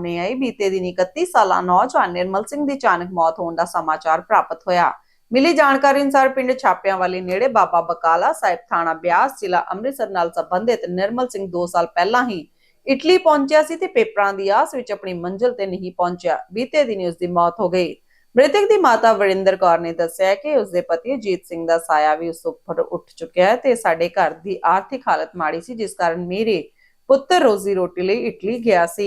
सामने आई। बीते दिन 31 साला नौजवान निर्मल सिंह की अचानक मौत होने का समाचार प्राप्त होया। मिली जानकारी अनुसार पिंड छापियांवाली नेड़े बाबा बकाला साहिब थाना ब्यास जिला अमृतसर नाल संबंधित निर्मल सिंह 2 साल पहला ही इटली पहुंचा सी ते पेपरां दी आस विच अपनी मंजिल ते नहीं पहुंचा। बीते दिन उसकी मौत हो गई। मृतक की माता वरिंदर कौर ने दस्सिया कि उसके पति अजीत सिंह का साया भी उस उपर उठ चुका है ते साडे घर की आर्थिक हालत माड़ी सी, जिस कारण मेरे पुत्र रोजी रोटी लई इटली गया सी।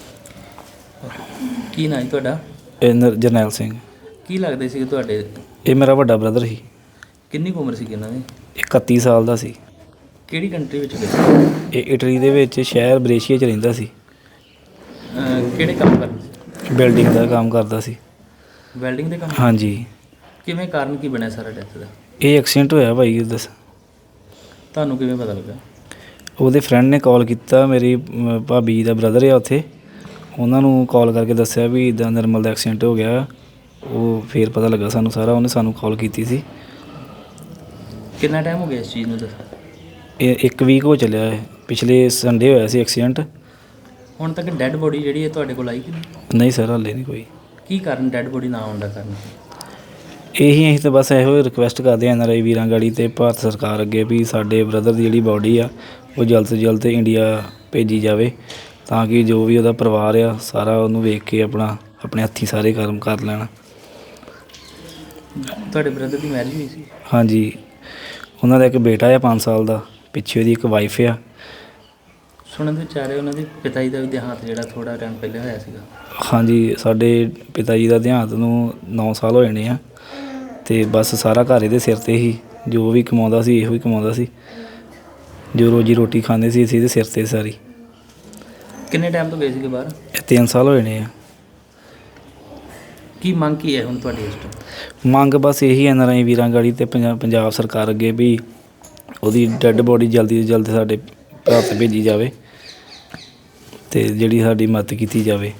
ਕੀ ਨਾਂ ਜੀ ਤੁਹਾਡਾ? ਜਰਨੈਲ ਸਿੰਘ। ਕੀ ਲੱਗਦੇ ਸੀ ਤੁਹਾਡੇ? ਇਹ ਮੇਰਾ ਵੱਡਾ ਬ੍ਰਦਰ ਸੀ। ਕਿੰਨੀ ਕੁ ਉਮਰ ਸੀ ਇਹਨਾਂ ਦੀ? 31 ਸਾਲ ਦਾ ਸੀ। ਕਿਹੜੀ ਕੰਟਰੀ ਵਿੱਚ ਗਏ? ਇਹ ਇਟਲੀ ਦੇ ਵਿੱਚ ਸ਼ਹਿਰ ਬਰੇਸ਼ੀਆ 'ਚ ਰਹਿੰਦਾ ਸੀ। ਕਿਹੜੇ ਕੰਮ ਕਰਦੇ ਸੀ? ਬਿਲਡਿੰਗ ਦਾ ਕੰਮ ਕਰਦਾ ਸੀ। ਵੈਲਡਿੰਗ ਦੇ ਕੰਮ? ਹਾਂਜੀ। ਕਿਵੇਂ ਕਾਰਨ ਕੀ ਬਣਿਆ ਸਾਰਾ ਡੈਥ ਦਾ? ਇਹ ਐਕਸੀਡੈਂਟ ਹੋਇਆ ਭਾਈ। ਦੱਸ ਤੁਹਾਨੂੰ ਕਿਵੇਂ ਪਤਾ ਲੱਗਾ? ਉਹਦੇ ਫਰੈਂਡ ਨੇ ਕਾਲ ਕੀਤਾ। ਮੇਰੀ ਭਾਬੀ ਦਾ ਬ੍ਰਦਰ ਆ ਉੱਥੇ, ਉਹਨਾਂ ਨੂੰ ਕਾਲ ਕਰਕੇ ਦੱਸਿਆ ਵੀ ਇੱਦਾਂ ਨਿਰਮਲ ਦਾ ਐਕਸੀਡੈਂਟ ਹੋ ਗਿਆ। ਉਹ ਫਿਰ ਪਤਾ ਲੱਗਾ ਸਾਨੂੰ ਸਾਰਾ। ਉਹਨੇ ਸਾਨੂੰ ਕਾਲ ਕੀਤੀ ਸੀ। ਕਿੰਨਾ ਟਾਈਮ ਹੋ ਗਿਆ ਇਸ ਚੀਜ਼ ਨੂੰ? ਦੱਸ। ਇਹ 1 ਵੀਕ ਹੋ ਚੱਲਿਆ ਹੈ। ਪਿਛਲੇ ਸੰਡੇ ਹੋਇਆ ਸੀ ਐਕਸੀਡੈਂਟ। ਹੁਣ ਤੱਕ ਡੈੱਡ ਬੋਡੀ ਜਿਹੜੀ ਹੈ ਤੁਹਾਡੇ ਕੋਲ ਆਈ ਕਿ ਨਹੀਂ ਸਰ, ਹਾਲੇ ਨਹੀਂ ਕੋਈ। ਕੀ ਕਾਰਨ ਡੈੱਡ ਬੋਡੀ ਨਾ ਆਉਣ ਦਾ ਕਾਰਨ? ਅਸੀਂ ਤਾਂ ਬਸ ਇਹੋ ਰਿਕੁਐਸਟ ਕਰਦੇ ਹਾਂ NRI ਵੀਰਾਂ ਗਾੜੀ ਅਤੇ ਭਾਰਤ ਸਰਕਾਰ ਅੱਗੇ ਵੀ ਸਾਡੇ ਬ੍ਰਦਰ ਦੀ ਜਿਹੜੀ ਬਾਡੀ ਆ ਉਹ ਜਲਦ ਤੋਂ ਜਲਦ ਇੰਡੀਆ ਭੇਜੀ ਜਾਵੇ, ਤਾਂ ਕਿ ਜੋ ਵੀ ਉਹਦਾ ਪਰਿਵਾਰ ਆ ਸਾਰਾ ਉਹਨੂੰ ਵੇਖ ਕੇ ਆਪਣੇ ਹੱਥੀਂ ਸਾਰੇ ਕਰਮ ਕਰ ਲੈਣ। ਤੁਹਾਡੇ ਬ੍ਰਦਰ ਦੀ ਮੈਰਿਜ ਹੋਈ ਸੀ? ਹਾਂਜੀ, ਉਹਨਾਂ ਦਾ ਇੱਕ ਬੇਟਾ ਆ 5 ਸਾਲ ਦਾ, ਪਿੱਛੇ ਉਹਦੀ ਇੱਕ ਵਾਈਫ ਆ। ਸੁਣਨ ਦੇ ਵਿਚਾਰੇ ਉਹਨਾਂ ਦੇ ਪਿਤਾ ਜੀ ਦਾ ਵੀ ਦੇਹਾਂਤ ਜਿਹੜਾ ਥੋੜ੍ਹਾ ਟਾਈਮ ਪਹਿਲੇ ਹੋਇਆ ਸੀਗਾ। ਹਾਂਜੀ, ਸਾਡੇ ਪਿਤਾ ਜੀ ਦਾ ਦੇਹਾਂਤ ਨੂੰ 9 ਸਾਲ ਹੋ ਜਾਣੇ ਆ, ਅਤੇ ਬਸ ਸਾਰਾ ਘਰ ਇਹਦੇ ਸਿਰ 'ਤੇ ਹੀ। ਜੋ ਵੀ ਕਮਾਉਂਦਾ ਸੀ ਇਹੋ ਹੀ ਕਮਾਉਂਦਾ ਸੀ। ਜੋ ਰੋਜੀ ਰੋਟੀ ਖਾਂਦੇ ਸੀ ਅਸੀਂ ਇਹਦੇ ਸਿਰ 'ਤੇ ਸਾਰੀ। ਕਿੰਨੇ ਟਾਈਮ ਤੋਂ ਗਏ ਸੀਗੇ ਬਾਹਰ? ਇਹ 3 ਸਾਲ ਹੋ ਜਾਣੇ ਆ। ਕੀ ਮੰਗ ਕੀ ਹੈ ਹੁਣ ਤੁਹਾਡੀ ਇਸ ਤੋਂ? ਮੰਗ ਬਸ ਇਹੀ NRI ਵੀਰਾਂ ਗਾੜੀ ਅਤੇ ਪੰਜਾਬ ਸਰਕਾਰ ਅੱਗੇ ਵੀ ਉਹਦੀ ਡੈੱਡ ਬੋਡੀ ਜਲਦੀ ਤੋਂ ਜਲਦੀ ਸਾਡੇ ਭਾਰਤ ਭੇਜੀ ਜਾਵੇ ਅਤੇ ਜਿਹੜੀ ਸਾਡੀ ਮਦਦ ਕੀਤੀ ਜਾਵੇ।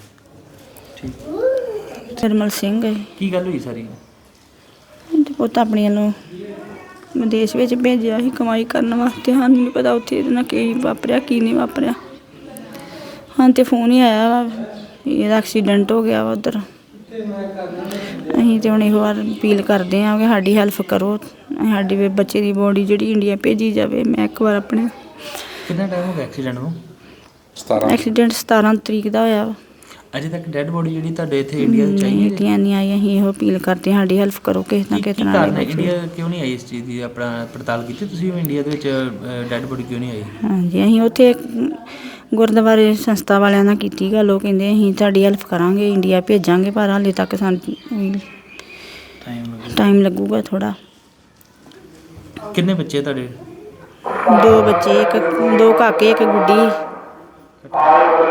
ਠੀਕ। ਨਿਰਮਲ ਸਿੰਘ ਹੈ। ਕੀ ਗੱਲ ਹੋਈ ਸਾਰੀ? ਪੁੱਤ ਆਪਣੀਆਂ ਨੂੰ ਵਿਦੇਸ਼ ਵਿੱਚ ਭੇਜਿਆ ਸੀ ਕਮਾਈ ਕਰਨ ਵਾਸਤੇ। ਸਾਨੂੰ ਨਹੀਂ ਪਤਾ ਉੱਥੇ ਇਹਦੇ ਨਾਲ ਕੀ ਵਾਪਰਿਆ ਕੀ ਨਹੀਂ ਵਾਪਰਿਆ। ਹਾਂ ਤੇ ਫੋਨ ਹੀ ਆਇਆ ਵਾ ਇਹਦਾ ਐਕਸੀਡੈਂਟ ਹੋ ਗਿਆ ਵਾ ਉੱਧਰ। ਅਸੀਂ ਤਾਂ ਹੁਣ ਇਹੋ ਵਾਰ ਅਪੀਲ ਕਰਦੇ ਹਾਂ ਕਿ ਸਾਡੀ ਹੈਲਪ ਕਰੋ, ਸਾਡੀ ਬੱਚੇ ਦੀ ਬੋਡੀ ਜਿਹੜੀ ਇੰਡੀਆ ਭੇਜੀ ਜਾਵੇ। ਮੈਂ ਇੱਕ ਵਾਰ ਆਪਣੇ ਕਿੰਨਾ ਟਾਈਮ ਹੋ ਗਿਆ ਐਕਸੀਡੈਂਟ ਨੂੰ? ਐਕਸੀਡੈਂਟ 17 ਤਰੀਕ ਦਾ ਹੋਇਆ ਵਾ। ਅਜੇ ਤੱਕ ਡੈੱਡ ਬੋਡੀ ਜਿਹੜੀ ਤੁਹਾਡੇ ਇੱਥੇ ਇੰਡੀਆ 'ਚ ਆਈ ਇੰਡੀਆ ਨਹੀਂ ਆਈ। ਅਸੀਂ ਇਹੋ ਅਪੀਲ ਕਰਦੇ ਹਾਂ ਸਾਡੀ ਹੈਲਪ ਕਰੋ ਕਿਸੇ ਨਾ ਕਿਸੇ ਤਰ੍ਹਾਂ। ਇੰਡੀਆ ਕਿਉਂ ਨਹੀਂ ਆਈ ਇਸ ਚੀਜ਼ ਦੀ ਆਪਣਾ ਪੜਤਾਲ ਕੀਤੀ ਤੁਸੀਂ? ਇੰਡੀਆ ਦੇ ਵਿੱਚ ਡੈੱਡ ਬੋਡੀ ਕਿਉਂ ਨਹੀਂ ਆਈ? ਹਾਂਜੀ, ਅਸੀਂ ਉੱਥੇ ਗੁਰਦੁਆਰੇ ਸੰਸਥਾ ਵਾਲਿਆਂ ਨਾਲ ਕੀਤੀ ਗੱਲ। ਉਹ ਕਹਿੰਦੇ ਅਸੀਂ ਤੁਹਾਡੀ ਹੈਲਪ ਕਰਾਂਗੇ, ਇੰਡੀਆ ਭੇਜਾਂਗੇ, ਪਰ ਹਾਲੇ ਤੱਕ ਸਾਨੂੰ ਟਾਈਮ ਲੱਗੂਗਾ ਥੋੜ੍ਹਾ। ਕਿੰਨੇ ਬੱਚੇ ਤੁਹਾਡੇ? 2 ਬੱਚੇ, 2 ਕਾਕੇ, 1 ਗੁੱਡੀ।